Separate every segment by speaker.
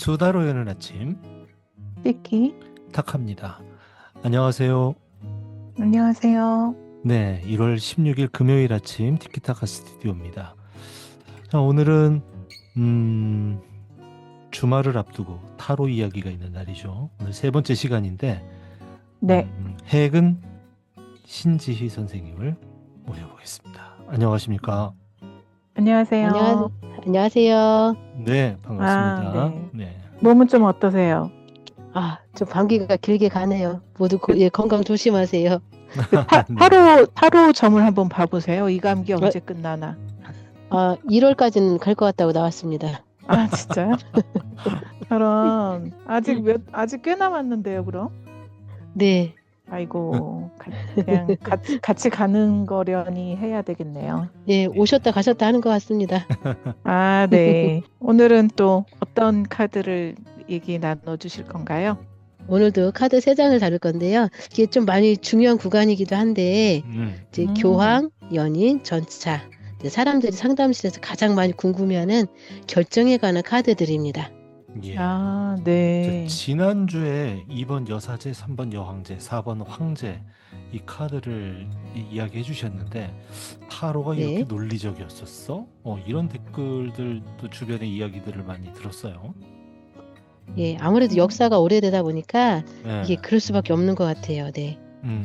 Speaker 1: 수다로 여는 아침
Speaker 2: 삐끼.
Speaker 1: 탁합니다. 안녕하세요.
Speaker 2: 안녕하세요.
Speaker 1: 네, 1월 16일 금요일 아침 티키타카 스튜디오입니다. 자, 오늘은 주말을 앞두고 타로 이야기가 있는 날이죠. 오늘 세 번째 시간인데
Speaker 2: 네,
Speaker 1: 해근 신지희 선생님을 모셔보겠습니다. 안녕하십니까?
Speaker 2: 안녕하세요.
Speaker 3: 안녕하세요.
Speaker 1: 네, 반갑습니다.
Speaker 2: 네.
Speaker 1: 네.
Speaker 2: 몸은 좀 어떠세요?
Speaker 3: 좀 감기가 길게 가네요. 모두 건강 조심하세요.
Speaker 1: 네.
Speaker 2: 타로 점을 한번 봐보세요. 이 감기 언제 끝나나?
Speaker 3: 1월까지는 갈 것 같다고 나왔습니다.
Speaker 2: 아, 진짜요? 그럼 아직 꽤 남았는데요, 그럼?
Speaker 3: 네,
Speaker 2: 아이고, 그냥 같이 가는 거려니 해야 되겠네요.
Speaker 3: 예, 오셨다 가셨다 하는 것 같습니다.
Speaker 2: 아, 네. 오늘은 또 어떤 카드를 얘기 나눠주실 건가요?
Speaker 3: 오늘도 카드 3장을 다룰 건데요. 이게 좀 많이 중요한 구간이기도 한데 이제 교황, 연인, 전차, 이제 사람들이 상담실에서 가장 많이 궁금해하는 결정에 관한 카드들입니다.
Speaker 1: 예.
Speaker 2: 아, 네.
Speaker 1: 지난주에 2번 여사제, 3번 여황제, 4번 황제 이 카드를 이야기해 주셨는데 타로가
Speaker 3: 네.
Speaker 1: 이렇게 논리적이었었어? 이런 댓글들도 주변의 이야기들을 많이 들었어요.
Speaker 3: 예, 아무래도 역사가 오래되다 보니까
Speaker 1: 네.
Speaker 3: 이게 그럴 수밖에 없는 것 같아요. 네.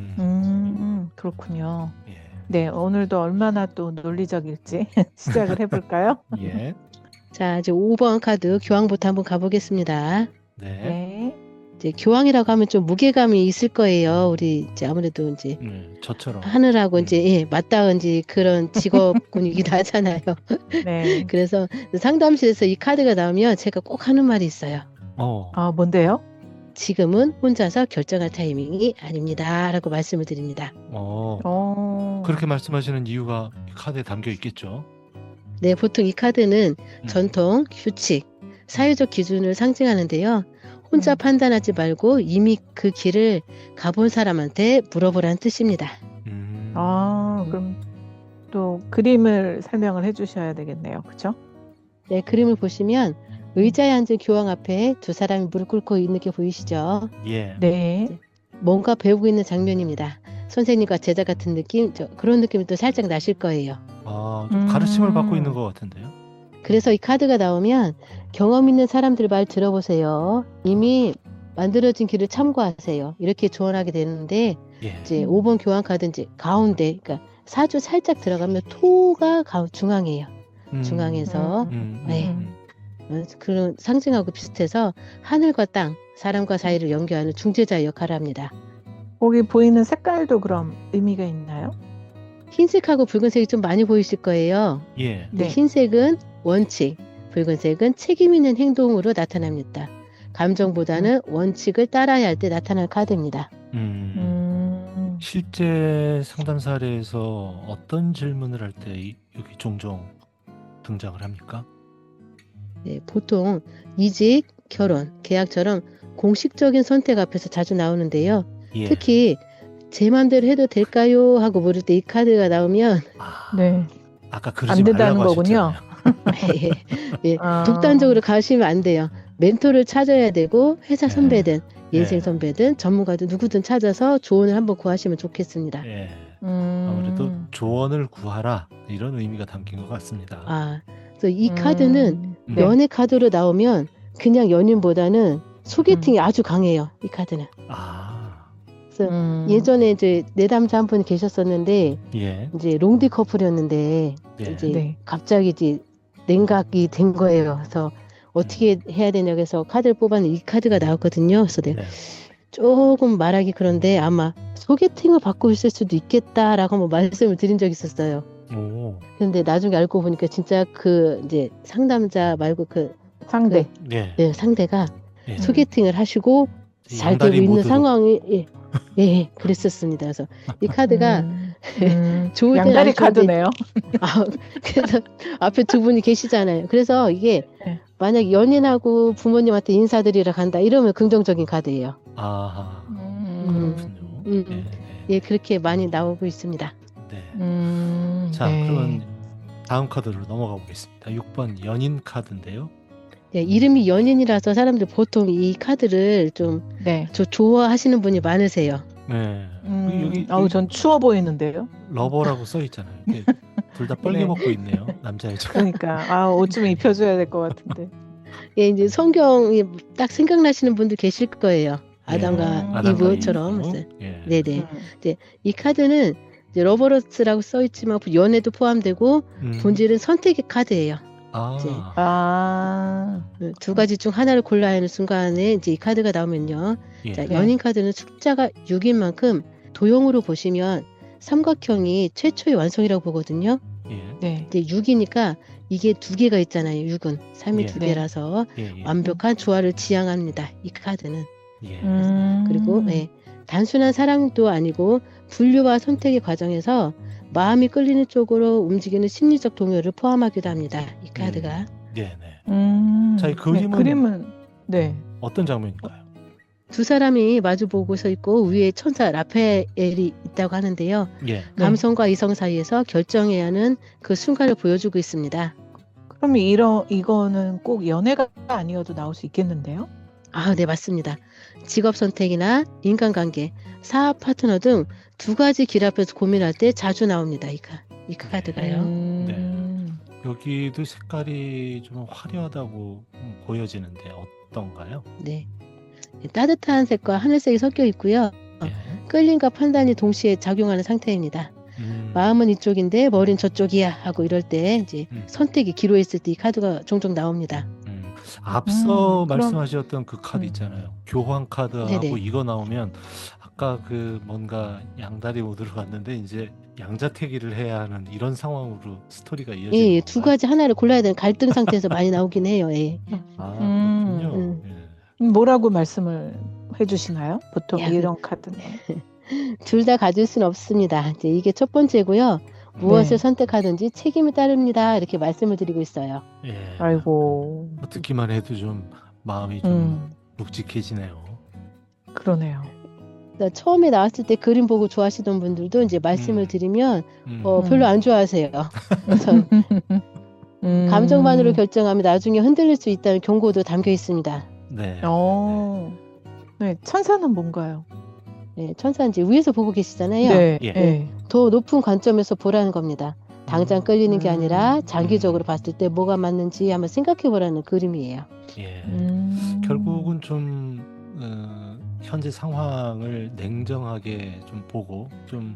Speaker 2: 그렇군요.
Speaker 1: 예.
Speaker 2: 네, 오늘도 얼마나 또 논리적일지 시작을 해볼까요?
Speaker 1: 예.
Speaker 3: 자, 이제 5번 카드 교황부터 한번 가보겠습니다.
Speaker 1: 네.
Speaker 2: 네.
Speaker 3: 이제 교황이라고 하면 좀 무게감이 있을 거예요. 우리 이제 아무래도 이제
Speaker 1: 저처럼.
Speaker 3: 하늘하고 이제 맞닿은 이제 그런 직업군이기도 하잖아요.
Speaker 2: 네.
Speaker 3: 그래서 상담실에서 이 카드가 나오면 제가 꼭 하는 말이 있어요.
Speaker 2: 뭔데요?
Speaker 3: 지금은 혼자서 결정할 타이밍이 아닙니다라고 말씀을 드립니다.
Speaker 1: 그렇게 말씀하시는 이유가 이 카드에 담겨 있겠죠.
Speaker 3: 네, 보통 이 카드는 전통, 규칙, 사회적 기준을 상징하는데요. 혼자 판단하지 말고 이미 그 길을 가본 사람한테 물어보라는 뜻입니다.
Speaker 2: 그럼 또 그림을 설명을 해주셔야 되겠네요. 그렇죠?
Speaker 3: 네, 그림을 보시면 의자에 앉은 교황 앞에 두 사람이 무릎 꿇고 있는 게 보이시죠?
Speaker 1: 예.
Speaker 2: 네.
Speaker 3: 뭔가 배우고 있는 장면입니다. 선생님과 제자 같은 느낌, 그런 느낌이 또 살짝 나실 거예요.
Speaker 1: 좀 가르침을 받고 있는 것 같은데요.
Speaker 3: 그래서 이 카드가 나오면 경험 있는 사람들 말 들어보세요. 이미 만들어진 길을 참고하세요. 이렇게 조언하게 되는데
Speaker 1: 예.
Speaker 3: 이제 5번 교황 카드 이제 가운데, 그러니까 사주 살짝 들어가면 토가 중앙이에요. 중앙에서 그런 상징하고 비슷해서 하늘과 땅, 사람과 사이를 연결하는 중재자의 역할을 합니다.
Speaker 2: 거기 보이는 색깔도 그럼 의미가 있나요?
Speaker 3: 흰색하고 붉은색이 좀 많이 보이실 거예요.
Speaker 1: 예.
Speaker 2: 네.
Speaker 3: 흰색은 원칙, 붉은색은 책임 있는 행동으로 나타납니다. 감정보다는 원칙을 따라야 할 때 나타날 카드입니다.
Speaker 1: 실제 상담 사례에서 어떤 질문을 할 때 여기 종종 등장을 합니까?
Speaker 3: 네, 보통 이직, 결혼, 계약처럼 공식적인 선택 앞에서 자주 나오는데요.
Speaker 1: 예.
Speaker 3: 특히 제 맘대로 해도 될까요? 하고 물을 때 이 카드가 나오면
Speaker 2: 네.
Speaker 1: 아까 그러지
Speaker 2: 안 된다는
Speaker 1: 말라고
Speaker 2: 거군요.
Speaker 1: 하셨잖아요.
Speaker 3: 예, 독단적으로 가시면 안 돼요. 멘토를 찾아야 되고 회사
Speaker 1: 네.
Speaker 3: 선배든 인생
Speaker 1: 네.
Speaker 3: 선배든 전문가든 누구든 찾아서 조언을 한번 구하시면 좋겠습니다.
Speaker 1: 예. 아무래도 조언을 구하라 이런 의미가 담긴 것 같습니다.
Speaker 3: 그래서 이 카드는
Speaker 2: 네.
Speaker 3: 연애 카드로 나오면 그냥 연인보다는 소개팅이 아주 강해요. 이 카드는. 그래서 예전에 이제 내담자 한 분이 계셨었는데
Speaker 1: 예.
Speaker 3: 이제 롱디 커플이었는데
Speaker 1: 예.
Speaker 3: 이제
Speaker 2: 네.
Speaker 3: 갑자기 이제 냉각이 된 거예요. 그래서 어떻게 해야 되냐고 해서 카드를 뽑았는데 이 카드가 나왔거든요. 그래서 내가 조금 말하기 그런데 아마 소개팅을 받고 있을 수도 있겠다라고 한번 말씀을 드린 적이 있었어요. 그런데 나중에 알고 보니까 진짜 그 이제 상담자 말고 그
Speaker 2: 상대.
Speaker 1: 네.
Speaker 3: 상대가
Speaker 1: 예.
Speaker 3: 소개팅을 하시고 잘 되고 있는 상황이 그랬었습니다. 그래서 이 카드가 좋을 때는
Speaker 2: 양다리
Speaker 3: 아주 좋은데
Speaker 2: 카드네요.
Speaker 3: 그래서 앞에 두 분이 계시잖아요. 그래서 이게
Speaker 2: 네.
Speaker 3: 만약 연인하고 부모님한테 인사드리러 간다 이러면 긍정적인 카드예요.
Speaker 1: 아하. 그렇군요.
Speaker 3: 예, 그렇게 많이 나오고 있습니다.
Speaker 1: 네. 자,
Speaker 2: 네.
Speaker 1: 그러면 다음 카드로 넘어가 보겠습니다. 6번 연인 카드인데요.
Speaker 3: 예, 이름이 연인이라서 사람들이 보통 이 카드를 좀
Speaker 2: 네.
Speaker 3: 좋아하시는 분이 많으세요.
Speaker 1: 네. 여기
Speaker 2: 아우, 전 추워 보이는데요.
Speaker 1: 러버라고 써 있잖아요. 둘 다 빨개
Speaker 2: 네.
Speaker 1: 먹고 있네요. 남자 여자.
Speaker 2: 그러니까 옷 좀 입혀줘야 될 것 같은데.
Speaker 3: 예, 이제 성경이 딱 생각나시는 분들 계실 거예요.
Speaker 1: 예,
Speaker 3: 아담과
Speaker 1: 아담과
Speaker 3: 이브처럼.
Speaker 1: 이브.
Speaker 3: 그래서
Speaker 1: 예.
Speaker 3: 네네. 이 카드는 이제 러버러스라고 써 있지만 연애도 포함되고 본질은 선택의 카드예요. 이제 두 가지 중 하나를 골라야 하는 순간에 이제 이 카드가 나오면요.
Speaker 1: 예.
Speaker 3: 자, 연인 카드는 숫자가 6인 만큼 도형으로 보시면 삼각형이 최초의 완성이라고 보거든요.
Speaker 1: 예.
Speaker 2: 네.
Speaker 3: 이제 6이니까 이게 두 개가 있잖아요. 6은 3이
Speaker 1: 예.
Speaker 3: 두 개라서
Speaker 1: 예.
Speaker 3: 완벽한 조화를 지향합니다. 이 카드는.
Speaker 1: 예.
Speaker 3: 그리고 단순한 사랑도 아니고 분류와 선택의 과정에서 마음이 끌리는 쪽으로 움직이는 심리적 동요를 포함하기도 합니다. 이 카드가.
Speaker 1: 네, 네. 자, 이 그림은
Speaker 2: 네.
Speaker 1: 어떤 장면일까요?
Speaker 3: 두 사람이 마주 보고 서 있고 위에 천사 라파엘이 있다고 하는데요.
Speaker 1: 예.
Speaker 3: 감성과 이성 사이에서 결정해야 하는 그 순간을 보여주고 있습니다.
Speaker 2: 그럼 이거는 꼭 연애가 아니어도 나올 수 있겠는데요?
Speaker 3: 아, 네, 맞습니다. 직업 선택이나 인간관계, 사업 파트너 등 두 가지 길 앞에서 고민할 때 자주 나옵니다. 이 카드가요.
Speaker 1: 네. 여기도 색깔이 좀 화려하다고 보여지는데 어떤가요?
Speaker 3: 네. 따뜻한 색과 하늘색이 섞여 있고요.
Speaker 1: 예.
Speaker 3: 끌림과 판단이 동시에 작용하는 상태입니다. 마음은 이쪽인데 머리는 저쪽이야 하고 이럴 때 이제 선택이 기로했을 때 이 카드가 종종 나옵니다.
Speaker 1: 앞서 말씀하셨던 그 카드 있잖아요. 교환 카드하고
Speaker 3: 네네.
Speaker 1: 이거 나오면 아까 그 뭔가 양다리 모드로 갔는데 이제 양자택일을 해야 하는 이런 상황으로 스토리가 이어지는
Speaker 3: 예,
Speaker 1: 건가요?
Speaker 3: 두 가지 하나를 골라야 되는 갈등 상태에서 많이 나오긴 해요. 예.
Speaker 1: 그렇군요. 예.
Speaker 2: 뭐라고 말씀을 해주시나요? 보통
Speaker 3: 야,
Speaker 2: 이런 카드는.
Speaker 3: 둘 다 가질 수는 없습니다. 이제 이게 첫 번째고요. 무엇을 선택하든지 책임이 따릅니다. 이렇게 말씀을 드리고 있어요.
Speaker 1: 예.
Speaker 2: 아이고.
Speaker 1: 듣기만 해도 좀 마음이 좀 묵직해지네요.
Speaker 2: 그러네요.
Speaker 3: 처음에 나왔을 때 그림 보고 좋아하시던 분들도 이제 말씀을 드리면 별로 안 좋아하세요. 그래서 감정만으로 결정하면 나중에 흔들릴 수 있다는 경고도 담겨 있습니다.
Speaker 1: 네.
Speaker 2: 네, 천사는 뭔가요?
Speaker 3: 네, 천사는 이제 위에서 보고 계시잖아요.
Speaker 2: 네.
Speaker 1: 예.
Speaker 2: 네.
Speaker 3: 더 높은 관점에서 보라는 겁니다. 당장 끌리는 게 아니라 장기적으로 봤을 때 뭐가 맞는지 한번 생각해 보라는 그림이에요.
Speaker 1: 예. 결국은 좀 현재 상황을 냉정하게 좀 보고 좀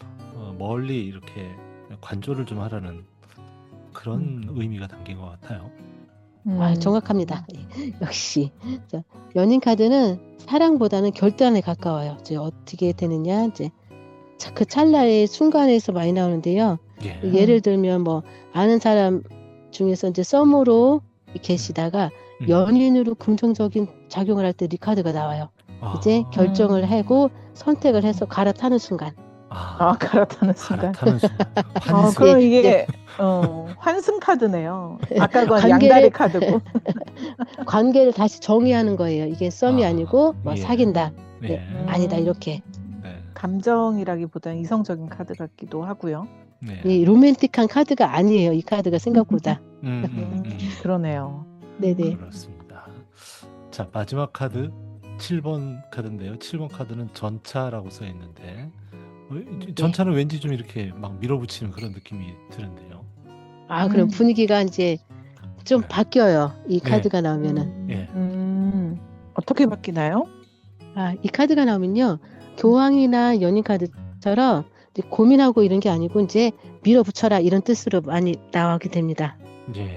Speaker 1: 멀리 이렇게 관조를 좀 하라는 그런 의미가 담긴 것 같아요.
Speaker 3: 아, 정확합니다. 역시 자, 연인 카드는 사랑보다는 결단에 가까워요. 이제 어떻게 되느냐 이제 그 찰나의 순간에서 많이 나오는데요.
Speaker 1: 예.
Speaker 3: 예를 들면 뭐 아는 사람 중에서 이제 썸으로 계시다가 연인으로 긍정적인 작용을 할 때 이 카드가 나와요. 이제 결정을 하고 선택을 해서 갈아타는 순간.
Speaker 2: 갈아타는 순간.
Speaker 1: 갈아타는 순간.
Speaker 2: 그럼 이게 환승 카드네요. 아까 건 양다리 카드고.
Speaker 3: 관계를 다시 정의하는 거예요. 이게 썸이 아니고 뭐 사귄다.
Speaker 1: 예.
Speaker 3: 아니다 이렇게.
Speaker 2: 감정이라기보다는 이성적인 카드 같기도 하고요.
Speaker 1: 네.
Speaker 3: 이 로맨틱한 카드가 아니에요. 이 카드가 생각보다.
Speaker 2: 그러네요.
Speaker 3: 네네.
Speaker 1: 그렇습니다. 자, 마지막 카드 7번 카드인데요. 7번 카드는 전차라고 써 있는데 전차는 왠지 좀 이렇게 막 밀어붙이는 그런 느낌이 드는데요.
Speaker 3: 아, 그럼 분위기가 이제 좀 바뀌어요. 이 카드가 나오면은.
Speaker 1: 예.
Speaker 2: 어떻게 바뀌나요?
Speaker 3: 아, 이 카드가 나오면요. 교황이나 연인 카드처럼 이제 고민하고 이런 게 아니고 이제 밀어붙여라 이런 뜻으로 많이 나오게 됩니다.
Speaker 1: 예.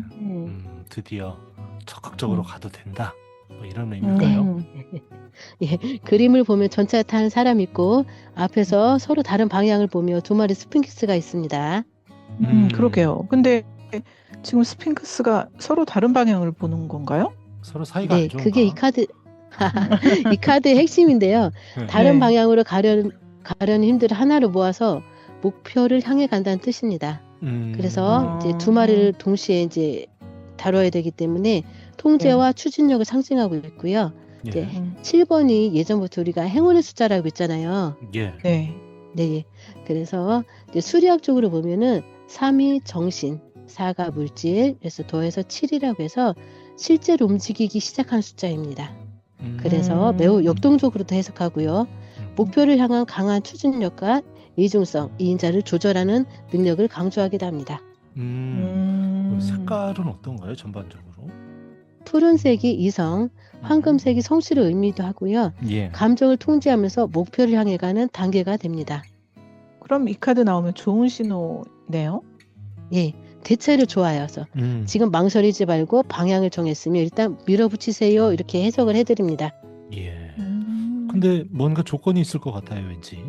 Speaker 1: 드디어 적극적으로 가도 된다. 뭐 이런 의미일까요?
Speaker 3: 예, 그림을 보면 전차 타는 사람이 있고 앞에서 서로 다른 방향을 보며 두 마리 스핑크스가 있습니다.
Speaker 2: 그러게요. 근데 지금 스핑크스가 서로 다른 방향을 보는 건가요?
Speaker 1: 서로 사이가 안 좋은가?
Speaker 3: 그게 이 카드 이 카드의 핵심인데요. 다른 방향으로 가려는 힘들을 하나로 모아서 목표를 향해 간다는 뜻입니다. 그래서 이제 두 마리를 동시에 이제 다뤄야 되기 때문에 통제와 추진력을 상징하고 있고요. 이제 7번이 예전부터 우리가 행운의 숫자라고 했잖아요.
Speaker 1: 예.
Speaker 3: 네. 그래서 이제 수리학적으로 보면은 3이 정신, 4가 물질, 그래서 더해서 7이라고 해서 실제로 움직이기 시작한 숫자입니다. 그래서 매우 역동적으로도 해석하고요. 목표를 향한 강한 추진력과 이중성, 이인자를 조절하는 능력을 강조하기도 합니다.
Speaker 1: 그럼 색깔은 어떤가요, 전반적으로?
Speaker 3: 푸른색이 이성, 황금색이 성실의 의미도 하고요.
Speaker 1: 예.
Speaker 3: 감정을 통제하면서 목표를 향해 가는 단계가 됩니다.
Speaker 2: 그럼 이 카드 나오면 좋은 신호네요.
Speaker 3: 예, 대체로 좋아요. 그래서 지금 망설이지 말고 방향을 정했으면 일단 밀어붙이세요. 이렇게 해석을 해드립니다.
Speaker 1: 예. 근데 뭔가 조건이 있을 것 같아요, 왠지.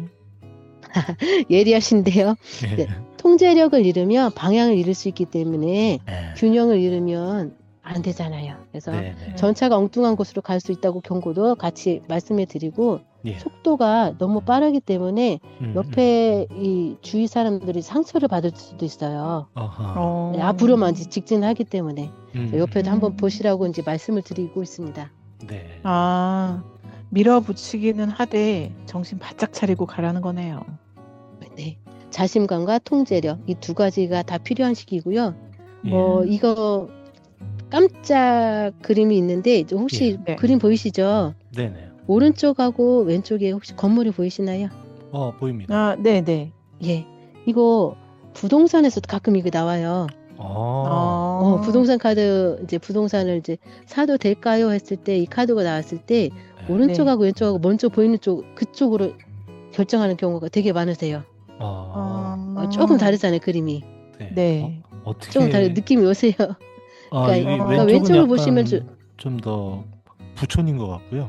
Speaker 3: 예리하신데요.
Speaker 1: 예.
Speaker 3: 네, 통제력을 잃으면 방향을 잃을 수 있기 때문에
Speaker 1: 예.
Speaker 3: 균형을 잃으면 안 되잖아요. 그래서
Speaker 1: 네네.
Speaker 3: 전차가 엉뚱한 곳으로 갈 수 있다고 경고도 같이 말씀해 드리고
Speaker 1: 예.
Speaker 3: 속도가 너무 빠르기 때문에 옆에 이 주위 사람들이 상처를 받을 수도 있어요.
Speaker 1: 아하.
Speaker 3: 네, 앞으로만 이제 직진하기 때문에 옆에도 한번
Speaker 2: 음.
Speaker 3: 보시라고 이제 말씀을 드리고 있습니다.
Speaker 1: 네.
Speaker 2: 아, 밀어붙이기는 하되 정신 바짝 차리고 가라는 거네요.
Speaker 3: 네, 자신감과 통제력 이 두 가지가 다 필요한 시기고요.
Speaker 1: 예.
Speaker 3: 이거 깜짝 그림이 있는데 이제 혹시
Speaker 2: 네.
Speaker 3: 그림 보이시죠?
Speaker 1: 네네.
Speaker 3: 오른쪽하고 왼쪽에 혹시 건물이 보이시나요?
Speaker 1: 보입니다.
Speaker 2: 아, 네네.
Speaker 3: 예, 이거 부동산에서도 가끔 이게 나와요. 부동산 카드 이제 부동산을 이제 사도 될까요 했을 때 이 카드가 나왔을 때
Speaker 1: 네.
Speaker 3: 오른쪽하고 왼쪽하고 먼저 보이는 쪽 그쪽으로 결정하는 경우가 되게 많으세요. 조금 다르잖아요, 그림이.
Speaker 2: 네.
Speaker 1: 어떻게
Speaker 3: 조금 다른 느낌이 오세요. 그러니까
Speaker 1: 여기
Speaker 2: 그러니까
Speaker 1: 왼쪽은
Speaker 3: 왼쪽을 보시면
Speaker 1: 좀 더 부촌인 것 같고요.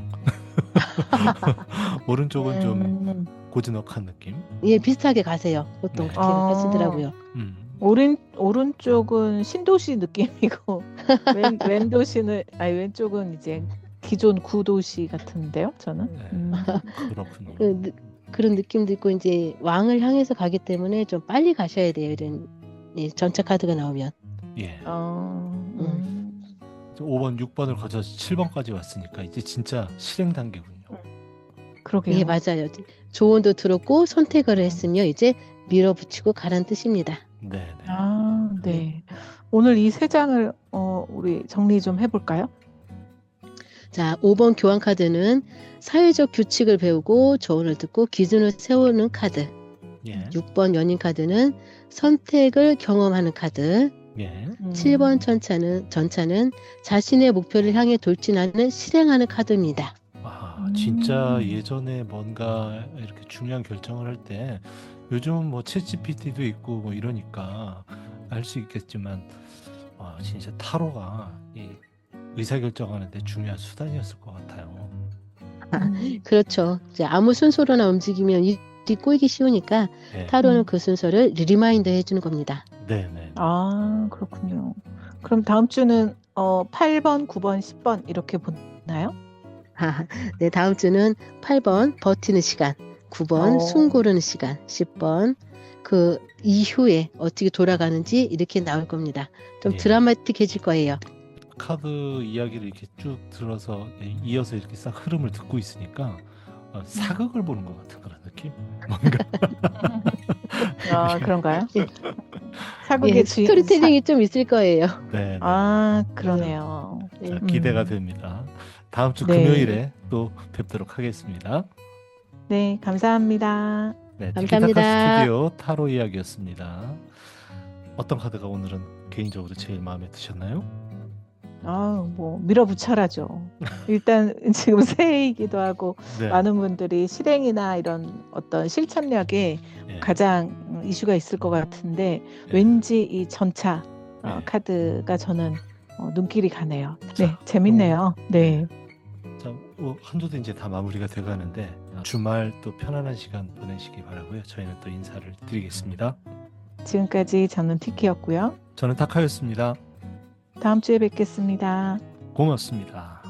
Speaker 1: 오른쪽은 좀 고즈넉한 느낌.
Speaker 3: 예, 비슷하게 가세요. 보통
Speaker 1: 네.
Speaker 3: 그렇게 하시더라고요.
Speaker 2: 오른쪽은 신도시 느낌이고 왼쪽은 이제 기존 구도시 같은데요, 저는.
Speaker 1: 네. 그렇군요.
Speaker 3: 그런 느낌도 있고 이제 왕을 향해서 가기 때문에 좀 빨리 가셔야 돼요. 이런 전차 카드가 나오면.
Speaker 1: 예. 5번, 6번을 거쳐서 7번까지 왔으니까 이제 진짜 실행 단계군요.
Speaker 2: 그러게요.
Speaker 3: 예, 맞아요. 조언도 들었고 선택을 했으며 이제 밀어붙이고 가란 뜻입니다.
Speaker 1: 네.
Speaker 2: 네. 오늘 이 세 장을 우리 정리 좀 해볼까요?
Speaker 3: 자, 5번 교환 카드는 사회적 규칙을 배우고 조언을 듣고 기준을 세우는 카드.
Speaker 1: 예.
Speaker 3: 6번 연인 선택을 경험하는 카드.
Speaker 1: 예.
Speaker 3: 7번 전차는 자신의 목표를 향해 돌진하는 실행하는 카드입니다.
Speaker 1: 진짜 예전에 뭔가 이렇게 중요한 결정을 할 때 요즘은 뭐 챗GPT도 있고 뭐 이러니까 알 수 있겠지만 진짜 타로가 이 의사결정하는데 중요한 수단이었을 것 같아요.
Speaker 3: 그렇죠. 이제 아무 순서로나 움직이면 일이 꼬이기 쉬우니까
Speaker 1: 네.
Speaker 3: 타로는 그 순서를 리마인드 해주는 겁니다.
Speaker 1: 네네.
Speaker 2: 그렇군요. 그럼 다음 주는 8번, 9번, 10번 이렇게 보나요?
Speaker 3: 네, 다음 주는 8번 버티는 시간, 9번 숨 고르는 시간, 10번 그 이후에 어떻게 돌아가는지 이렇게 나올 겁니다. 좀
Speaker 1: 예.
Speaker 3: 드라마틱해질 거예요.
Speaker 1: 카드 이야기를 이렇게 쭉 들어서 이어서 이렇게 싹 흐름을 듣고 있으니까 사극을 보는 것 같은 그런 느낌? 뭔가
Speaker 2: 그런가요?
Speaker 3: 예.
Speaker 2: 사극의
Speaker 3: 스토리텔링이 좀 있을 거예요.
Speaker 1: 네.
Speaker 2: 그러네요.
Speaker 1: 자, 기대가 됩니다. 다음 주
Speaker 2: 네.
Speaker 1: 금요일에 또 뵙도록 하겠습니다.
Speaker 2: 네, 감사합니다.
Speaker 1: 네,
Speaker 3: 감사합니다.
Speaker 1: 티키타카 스튜디오 타로 이야기였습니다. 어떤 카드가 오늘은 개인적으로 제일 마음에 드셨나요?
Speaker 2: 뭐 밀어붙여라죠. 일단 지금 새해이기도 하고
Speaker 1: 네.
Speaker 2: 많은 분들이 실행이나 이런 어떤 실천력에
Speaker 1: 예.
Speaker 2: 가장 이슈가 있을 것 같은데
Speaker 1: 예.
Speaker 2: 왠지 이 전차
Speaker 1: 네.
Speaker 2: 카드가 저는 눈길이 가네요. 네,
Speaker 1: 자,
Speaker 2: 재밌네요. 네.
Speaker 1: 자, 한 주도 이제 다 마무리가 돼가는데 주말 또 편안한 시간 보내시기 바라고요. 저희는 또 인사를 드리겠습니다.
Speaker 2: 지금까지 저는 티키였고요.
Speaker 1: 저는 타카였습니다.
Speaker 2: 다음 주에 뵙겠습니다.
Speaker 1: 고맙습니다.